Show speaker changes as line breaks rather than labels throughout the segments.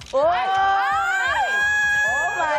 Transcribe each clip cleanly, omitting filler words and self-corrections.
Oh! Oh my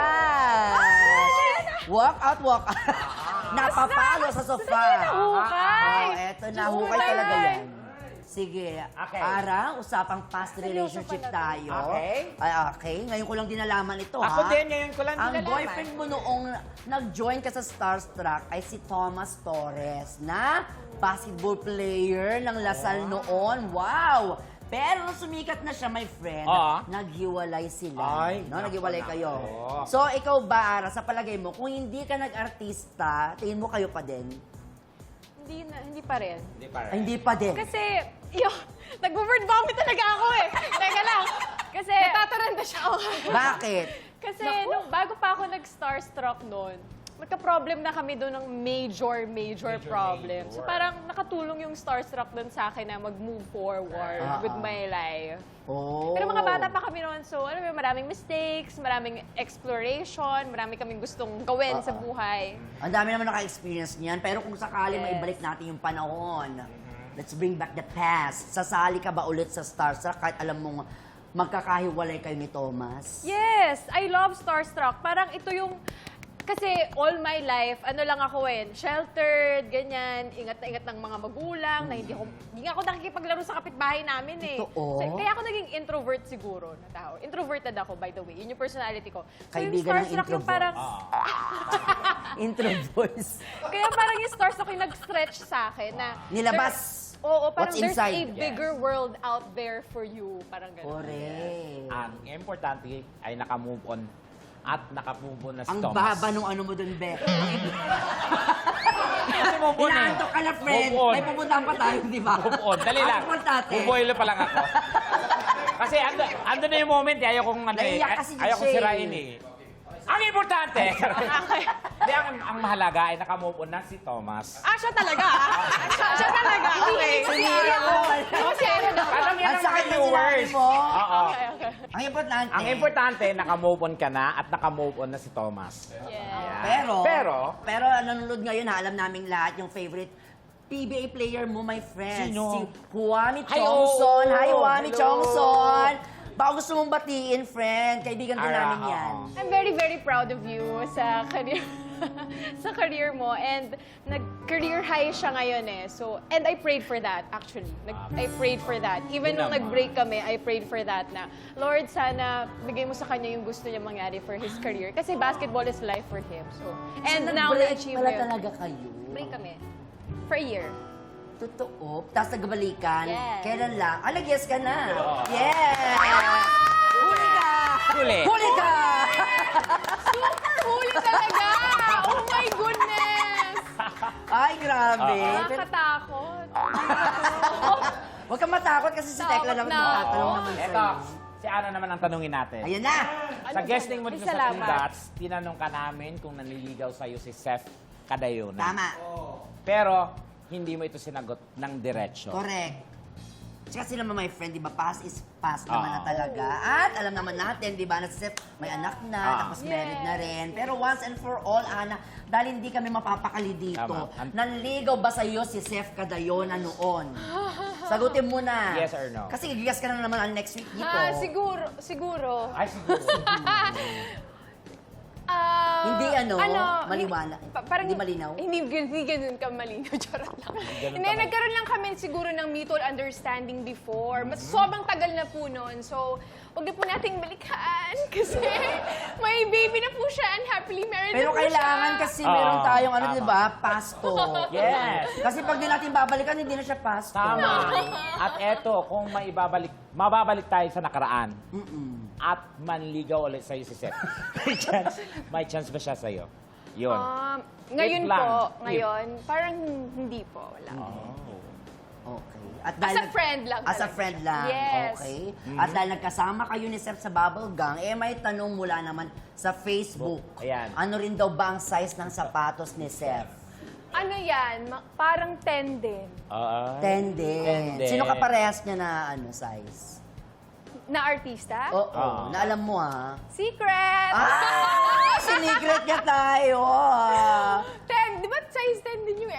gosh! Walk out, walk out. Napapalo sa sofa.
Nahukay.
Oh, eto na. Hukay talaga yan. Sige.
Okay.
Ara, usapang past relationship tayo.
Okay.
Ay, okay. Ngayon ko lang din nalaman ito,
Ako
ha?
din, ngayon ko lang
Ang
dinalaman.
boyfriend mo noong nag-join ka sa Starstruck ay si Thomas Torres na basketball player ng Lasal noon. Wow! Pero nung sumikat na siya, my friend, naghiwalay sila.
Ay,
no? Naghiwalay
nako,
kayo.
nako.
So, ikaw ba, Ara, sa palagay mo, kung hindi ka nag-artista, tingin mo kayo pa din?
Hindi pa rin.
Hindi pa
Ay, hindi pa din.
Kasi, nag-word vomit talaga ako eh. Teka lang. Kasi, natataranta siya ako.
Bakit?
Kasi, nung bago pa ako nag-starstruck noon, magka-problem na kami doon ng major problem. So parang nakatulong yung starstruck doon sa akin na mag-move forward with my life.
Oh.
Pero mga bata pa kami noon, so alam mo, maraming mistakes, maraming exploration, marami kaming gustong gawin sa buhay.
Ang dami naman naka-experience niyan. Pero kung sakali
Yes.
maibalik natin yung panahon, let's bring back the past. Sasali ka ba ulit sa Starstruck kahit alam mong magkakahiwalay kayo ni Thomas?
Yes, I love starstruck. Parang ito yung kasi all my life, ano lang ako sheltered, ganyan, ingat na ingat ng mga magulang, na hindi nga ako nakikipaglaro sa kapitbahay namin eh.
Totoo?
So, kaya ako naging introvert siguro na tao. Introverted ako, by the way. Yun yung personality ko. So
Kaibigan ng
yung starstruck yung
introvert.
parang,
Intro voice.
kaya parang yung starstruck yung nag-stretch sa akin na...
Nilabas.
Oo, parang
What's
there's
inside.
a bigger world out there for you. Parang gano'n.
Correct.
Ang importante ay naka-move on at naka-move on na si
Ang
Thomas.
baba nung ano mo dun, Be.
Kasi move on eh.
Inaantok ka na, friend.
Move on.
May pupuntahan pa tayo, di ba?
Move on. Dali lang.
Ang importante.
Buboilo pa lang ako. Kasi ando na yung moment eh. Ayaw kong
Naiyak kasi
ayaw kong
siya
sirain eh. Ang importante! Hindi, ang mahalaga ay naka-move on na si Thomas.
Siya talaga. Siya talaga. Okay.
Sinira mo.
Kasi ano na.
Alam yan
Ang
ang
sakit
mga
na
viewers.
sinabi mo.
Oo.
Okay.
Ang importante.
Ang importante, naka-move on ka na at naka-move on na si Thomas.
Yeah.
Pero nanonood ngayon, ha, alam naming lahat yung favorite PBA player mo, my friend.
Sino?
Si Huami
Hi,
Chongson.
oh.
Hi, Huami
Hello.
Chongson. Baka gusto mong batiin, friend. Kaibigan din namin yan.
I'm very, very proud of you sa career sa career mo. And nag-career high siya ngayon eh. So, and I prayed for that, actually. I prayed for that. Even nung nag-break kami, I prayed for that na, Lord, sana bigay mo sa kanya yung gusto niya mangyari for his career. Kasi basketball is life for him. So, and now,
Nag-break
na-achieve
pala
yun.
talaga kayo.
Break kami. For a year.
Totoo. Tapos nagbalikan.
Yes.
Kailan lang? Nag-yes ka na. Yes! Huli ka!
Huli.
Huli ka!
Super huli talaga! Oh my goodness!
Ay, grabe.
Nakakatakot.
Huwag kang matakot kasi si Tekla lang
Takot na
matatanong
ako.
naman
Eto,
sa'yo.
si Ana naman ang tanungin natin.
Ayan na!
Sa guesting mo dito sa
Salamat.
Two Dots, tinanong ka namin kung nanliligaw sa'yo si Seth Cadayona.
Tama.
Pero, hindi mo ito sinagot ng diretsyo.
Correct. Kasi naman, my friend, di ba, past is past naman na talaga. At alam naman natin, di ba, na si Seth may anak na, tapos married na rin. Pero once and for all, Ana, dahil hindi kami mapapakali dito,
Tama.
nanligaw ba sa'yo si Seth Cadayona noon? Sagutin mo na.
Yes or no?
Kasi gigas ka na naman ang next week dito.
Siguro.
Ay, siguro.
Hindi maliwanag.
Parang
Hindi malinaw?
Hindi ganun ka malinaw. Charot lang.
ganun
Hindi,
ka
nagkaroon lang kami siguro ng mutual understanding before. Mas sobrang tagal na po noon. So, huwag na po nating balikan. Kasi may baby na po siya and happily married
Pero
na po
kailangan
siya.
kasi meron tayong
tama.
di ba, pasto.
Yes.
Kasi pag di natin babalikan, hindi na siya pasto.
Tama. At eto, kung mababalik tayo sa nakaraan, at manligaw ulit sa'yo si Seth, may chance ba siya sa'yo? Yun.
Ngayon
If lang.
po,
If.
ngayon, parang hindi po. Wala.
Okay. At
As a friend lang
As a
talaga
friend
siya.
lang.
Yes.
Okay. At dahil nagkasama kayo ni Seth sa Bubble Gang, may tanong mula naman sa Facebook.
Ayan.
Ano rin daw ba ang size ng sapatos ni Seth?
Ano yan? Parang 10 din.
10 din.
din.
Sino kaparehas niya na size?
Na artista?
Oo. Na alam mo
Secret!
Sinigret niya tayo
10, di ba size 10 din yung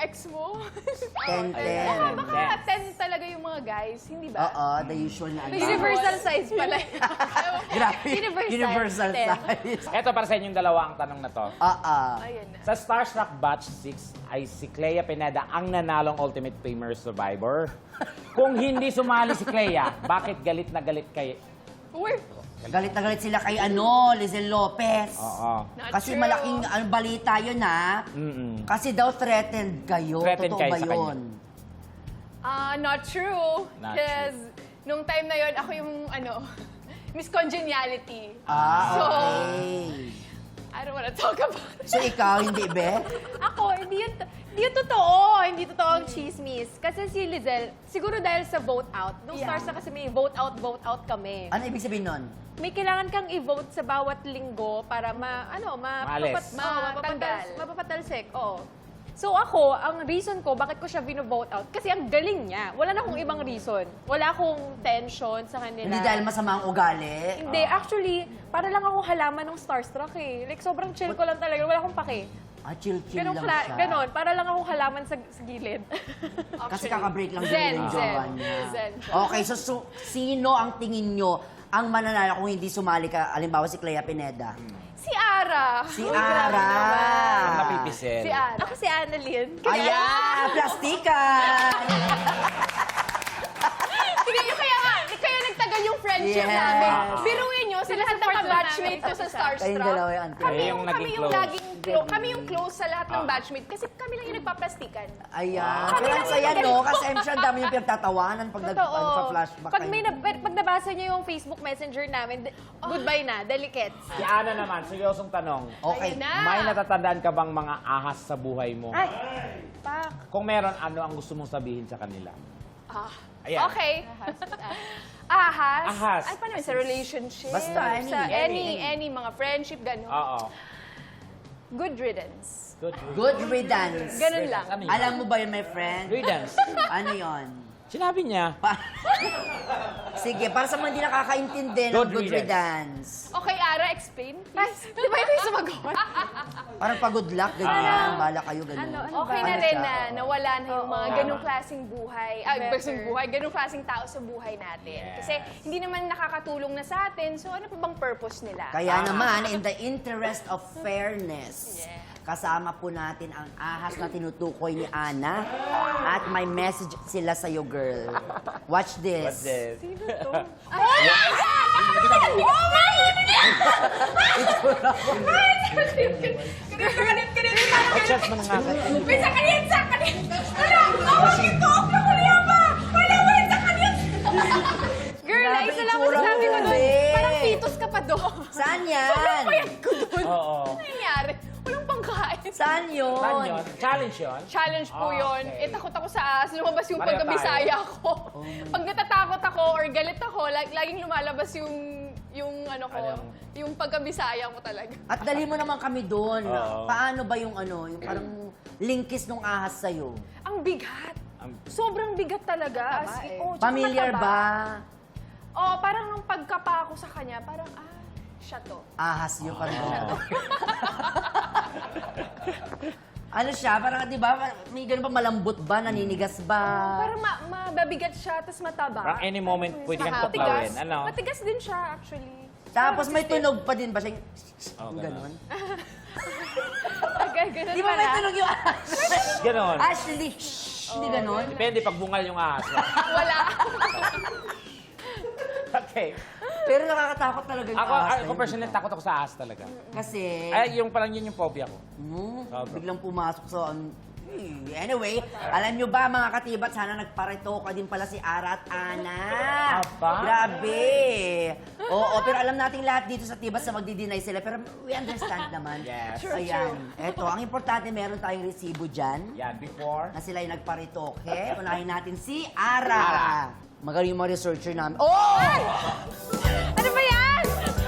ex mo.
10-10.
Baka 10 talaga yung mga guys, hindi ba?
Oo, the usual na ano.
Universal size pala.
Grabe. Universal
Ten.
size.
Eto para sa inyong dalawa ang tanong na to.
Oo.
Ayan na.
Sa Starstruck Batch 6 ay si Clea Pineda ang nanalong Ultimate Famer Survivor. Kung hindi sumali si Clea, bakit galit na galit kay...
Uy,
Galit na galit sila kay Lizel Lopez.
Oo.
Not
Kasi
true.
malaking balita yun, ha?
Mm-mm.
Kasi daw threatened kayo.
Threatened
Totoo
kayo
ba
sa kanya.
yun?
Not true.
Not
Because nung time na yon ako yung Miss Congeniality.
Ah,
So,
okay.
I don't wanna talk about it.
So ikaw, hindi be?
Ako, hindi yun totoo. Hindi totoo ang chismis. Kasi si Lizelle, siguro dahil sa vote out, nung stars na kasi may vote out kami.
Ano ibig sabihin nun?
May kailangan kang i-vote sa bawat linggo para
Maalis.
mapapatalsik. Oo. So ako, ang reason ko, bakit ko siya vino-vote out, kasi ang galing niya. Wala na akong ibang reason. Wala akong tension sa kanila.
Hindi dahil masama ang ugali?
Hindi, actually, para lang ako halaman ng Starstruck eh. Like, sobrang chill ko lang talaga. Wala akong pake.
Chill-chill
Ganun,
lang siya.
ganon. Para lang ako halaman sa gilid.
Kasi kakabreak lang
Zen,
yung
Zen.
jowa niya.
Zen.
Okay, so sino ang tingin nyo ang mananalo kung hindi sumali ka, alimbawa si Clea Pineda?
Si Ara.
Si
Uy,
Ara.
grabe naman.
Ang napipisel.
Si Ara. Ako si Annalyn.
Ayan! Plastikan!
Kaya nagtagal yung friendship
Yes.
namin. Biruin nyo, sa lahat ng batchmate ko sa Starstruck.
Kayong dalawa yung auntie.
Kayo yung naging close.
Kami yung close sa lahat ng batchmate kasi kami lang yung nagpaplastikan.
Ayan.
Kami
Pero ang
lang
saya,
yung
no? Kasi I'm sure ang dami yung pinagtatawanan pag
Totoo.
nagpa-flashback
Pag, pag nabasa niyo yung Facebook Messenger namin, goodbye na, delicates.
Si Ana naman, seryosong tanong.
Okay.
Ayun na.
May natatandaan ka bang mga ahas sa buhay mo?
Ay, pak.
Kung meron, ano ang gusto mong sabihin sa kanila? Ayan.
Okay. Ahas.
Ahas.
Ay, paano yun? Sa relationship?
Basta,
Sa
any.
any mga friendship, gano'n.
Oo.
Good riddance.
Good riddance.
Ganun lang.
Ano yun?
Alam mo ba yun, my friend?
Riddance.
Ano yun?
Sinabi niya.
Sige, para sa mga hindi nakakaintindi ng
Good
good
riddance.
riddance.
Okay, Ara, explain. Di ba ito yung sumagot?
Parang pa-good luck, ganyan. Bala kayo, ganun.
Okay na
Ano
rin
siya?
na nawala na yung mga ganong klaseng buhay.
Better.
Ganong klaseng tao sa buhay natin.
Yes.
Kasi hindi naman nakakatulong na sa atin, so ano pa bang purpose nila?
Kaya naman, in the interest of fairness, kasama po natin ang ahas na tinutukoy ni Ana at may message sila sa'yo, girl. Watch this.
Sino to?
Chance mo na nga.
Girl,
Grabe,
isa lang
itsura
masasabi ko
mo,
doon.
eh.
Parang fetus ka pa doon.
Saan yan?
Oo.
Ano nangyari? Walang pangkain.
Saan yun?
Saan yun? Challenge yun?
Challenge po
Ah,
yun.
okay.
Takot ako sa ahas. Lumabas yung
Pareho
pagkabisaya ko.
Oh.
Pag natatakot ako or galit ako, laging lumalabas yung ano ko,
Alam.
yung pagkabisaya ko talaga.
At dali mo naman kami doon.
Oo.
Paano ba yung yung parang linkis nung ahas sa'yo?
Ang bigat.
Ang-
Sobrang bigat talaga. As in, tsaka
Familiar
mataba.
ba?
Oh, parang nung pagkapa ako sa kanya, parang, siya to.
Ahas yun, parang Ano siya? Parang, di ba, may ganun ba malambot ba? Naninigas ba?
Parang mababigat siya, tapos mataba.
Parang any moment pwede kang
Matigas.
tuklawin. Ano?
Matigas din siya, actually.
Tapos may tunog pa din ba siya?
Oh,
Ganon.
Ganun
Di ba may
pala.
tunog yung ahas?
Ganon.
Ashley, hindi ganon?
Depende pag bungal yung ahas.
Wala.
Okay.
Pero nakakatakot talaga yung ahas.
Ako personally, takot ako sa ahas talaga.
Kasi,
Ay, yung parang yun yung phobia ko.
biglang pumasok sa... Anyway, alam nyo ba mga katibat, sana nagparito ka din pala si Ara at Ana.
Aba?
Grabe. Oo, pero alam nating lahat dito sa Tibas na magdi-deny sila, pero we understand naman.
Yes.
Ayan. Eto, ang importante, meron tayong resibo dyan
Yan, before.
na sila yung nagparitoke. Unahin natin si Ara. Magaling yung mga researcher namin. Oh!
Ano ba yan?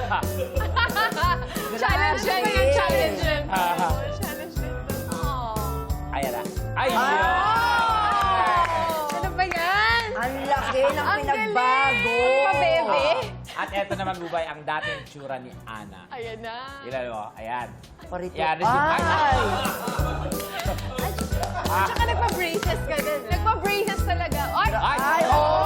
Challenge yan,
Grabe.
yung challenge yan.
Ah.
Challenge yan. Oh.
Ayan na. Ay,
Ano ba yan?
Ang laki ng
Ang
pinagbago.
galing. Pabebe.
At eto naman, Bubay, ang dating tsura ni Ana.
Ayan na.
Ilan mo? Ayan.
Parito.
Yan, resume.
Ay!
Tsaka nagpa-braces ka din. Nagpa-braces talaga.
Ay, oo!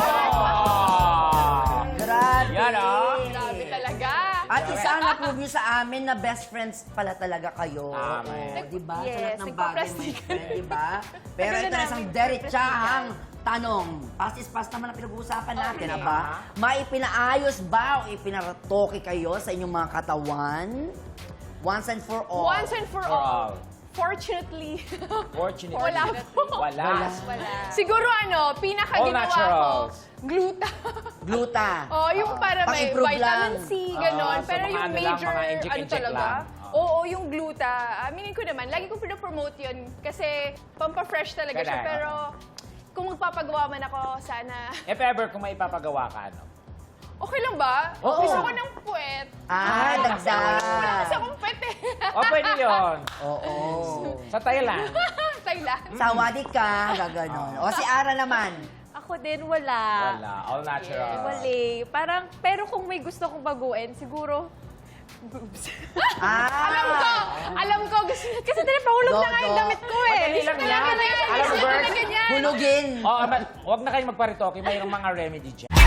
Grabe.
Yan, ah.
Grabe talaga.
At isa na prove nyo sa amin na best friends pala talaga kayo.
Tama
Oo,
yan.
diba?
Yes,
Sa lahat ng bagay, my
nagpa-plastikan.
friend, diba? Pero
Tagal
ito
na
na isang
namin
derechahang tanong. Past is past naman ang pinag-uusapan natin,
Okay.
aba? Maipinaayos ba o ipinaratoke kayo sa inyong mga katawan? Once and for all.
Once and for all. Fortunately.
Fortunately.
Wala po.
Wala.
Siguro
All
pinakaginawa ko,
naturals.
gluta.
Gluta.
Oh, yung para may
Pang-improve
vitamin
lang.
C, ganon.
So
Pero
mga
yung
ano lang,
major,
mga inject-inject
talaga.
lang.
Oo, yung gluta. Aminin ko naman, lagi kong pinapromote yun kasi pampa-fresh talaga siya.
Kaya,
Pero kung magpapagawa man ako, sana...
If ever, kung may ipapagawa ka, ano?
Okay lang ba?
Oo.
Gusto ko ng puwet.
Ah,
Wala kasi
dagdag.
akong puwet eh.
O, pwede yun.
Oo.
Sa Thailand.
Thailand.
Sawadik ka, gaganon. O si Ara naman.
Ako din, wala.
Wala. All natural.
Wala. Parang, pero kung may gusto kong baguhin, siguro, boobs.
Alam ko, gusto niya.
Kasi tinapahulog na nga yung
Dodo.
damit ko eh.
Madali lang yan. Alam mo,
Gusto
Bert?
talaga niyan.
Hulugin.
Oh, huwag na kayong magparitoke. Mayroong mga remedy dyan.